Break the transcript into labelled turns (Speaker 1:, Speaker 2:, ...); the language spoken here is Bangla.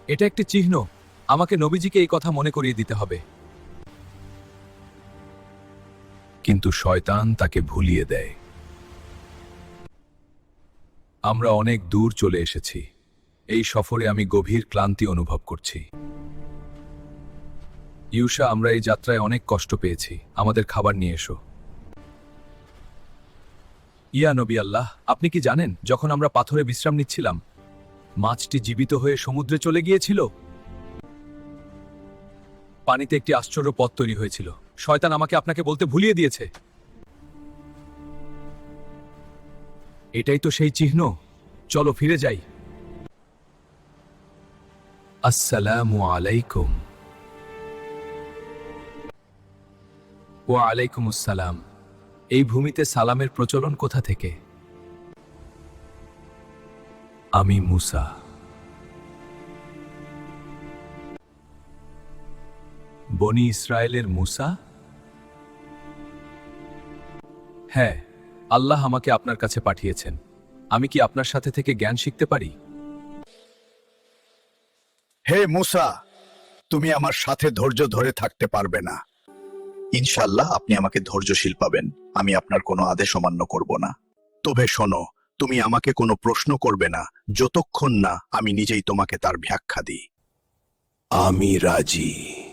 Speaker 1: এটা একটি চিহ্ন। আমাকে নবীজিকে এই কথা মনে করিয়ে দিতে হবে। কিন্তু শয়তান তাকে ভুলিয়ে দেয়। আমরা অনেক দূর চলে এসেছি। এই সফরে আমি গভীর ক্লান্তি অনুভব করছি। ইউসা, আমরা এই যাত্রায় অনেক কষ্ট পেয়েছি। আমাদের খাবার নিয়ে এসো। ইয়া নবী আল্লাহ, আপনি কি জানেন, যখন আমরা পাথরে বিশ্রাম নিচ্ছিলাম, মাছটি জীবিত হয়ে সমুদ্রে চলে গিয়েছিল। পানিতে একটি আশ্চর্য পথ তৈরি হয়েছিল। শয়তান আমাকে আপনাকে বলতে ভুলিয়ে দিয়েছে। এটাই তো সেই চিহ্ন। চলো ফিরে যাই। আসসালামু আলাইকুম। ওয়া আলাইকুম আসসালাম। এই ভূমিতে সালামের প্রচলন কোথা থেকে? আমি মুসা। বনি ইসরায়েলের মুসা? হ্যাঁ, আল্লাহ আমাকে আপনার কাছে পাঠিয়েছেন। আমি কি আপনার সাথে থেকে জ্ঞান শিখতে পারি?
Speaker 2: হে মুসা, তুমি আমার সাথে ধৈর্য ধরে থাকতে পারবে না। ইনশাআল্লাহ আপনি আমাকে ধৈর্যশীল পাবেন। আমি আপনার কোনো আদেশ অমান্য করব না। তবে শোনো, তুমি আমাকে কোনো প্রশ্ন করবে না যতক্ষণ না আমি নিজেই তোমাকে তার ব্যাখ্যা দিই। আমি রাজি।